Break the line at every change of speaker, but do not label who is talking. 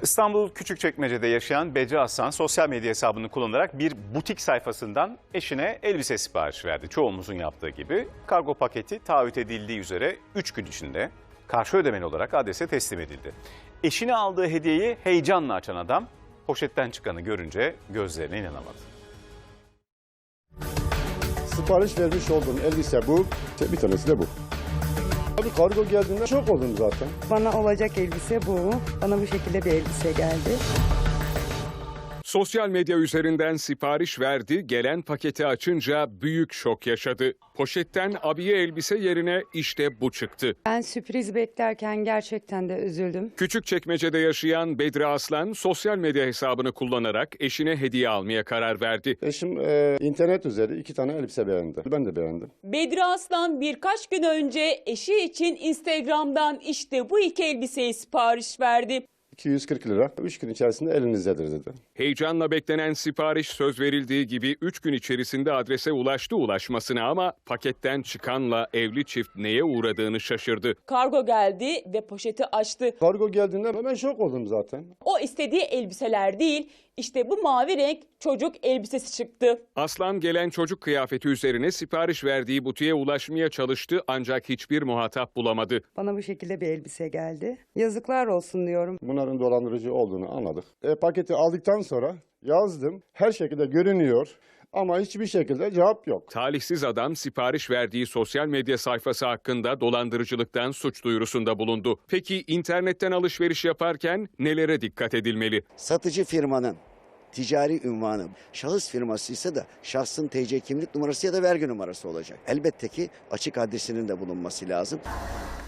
İstanbul Küçükçekmece'de yaşayan Bedri Aslan sosyal medya hesabını kullanarak bir butik sayfasından eşine elbise siparişi verdi. Çoğumuzun yaptığı gibi kargo paketi taahhüt edildiği üzere 3 gün içinde karşı ödemeli olarak adrese teslim edildi. Eşine aldığı hediyeyi heyecanla açan adam poşetten çıkanı görünce gözlerine inanamadı.
Sipariş vermiş olduğum elbise bu, bir tanesi de bu. Abi kargo geldiğinde şok oldum zaten.
Bana olacak elbise bu. Bana bu şekilde bir elbise geldi.
Sosyal medya üzerinden sipariş verdi, gelen paketi açınca büyük şok yaşadı. Poşetten abiye elbise yerine işte bu çıktı.
Ben sürpriz beklerken gerçekten de üzüldüm.
Küçükçekmece'de yaşayan Bedri Aslan sosyal medya hesabını kullanarak eşine hediye almaya karar verdi.
Eşim internet üzeri 2 tane elbise beğendi. Ben de beğendim.
Bedri Aslan birkaç gün önce eşi için Instagram'dan işte bu 2 elbiseyi sipariş verdi.
240 lira. 3 gün içerisinde elinizdedir dedi.
Heyecanla beklenen sipariş söz verildiği gibi 3 gün içerisinde adrese ulaşmasına ama paketten çıkanla evli çift neye uğradığını şaşırdı.
Kargo geldi ve poşeti açtı.
Kargo geldiğinde ben şok oldum zaten.
O istediği elbiseler değil, işte bu mavi renk çocuk elbisesi çıktı.
Aslan gelen çocuk kıyafeti üzerine sipariş verdiği butiğe ulaşmaya çalıştı ancak hiçbir muhatap bulamadı.
Bana bu şekilde bir elbise geldi. Yazıklar olsun diyorum.
Bunların dolandırıcı olduğunu anladık. Paketi aldıktan sonra yazdım. Her şekilde görünüyor ama hiçbir şekilde cevap yok.
Talihsiz adam sipariş verdiği sosyal medya sayfası hakkında dolandırıcılıktan suç duyurusunda bulundu. Peki internetten alışveriş yaparken nelere dikkat edilmeli?
Satıcı firmanın ticari ünvanı, şahıs firması ise de şahsın TC kimlik numarası ya da vergi numarası olacak. Elbette ki açık adresinin de bulunması lazım.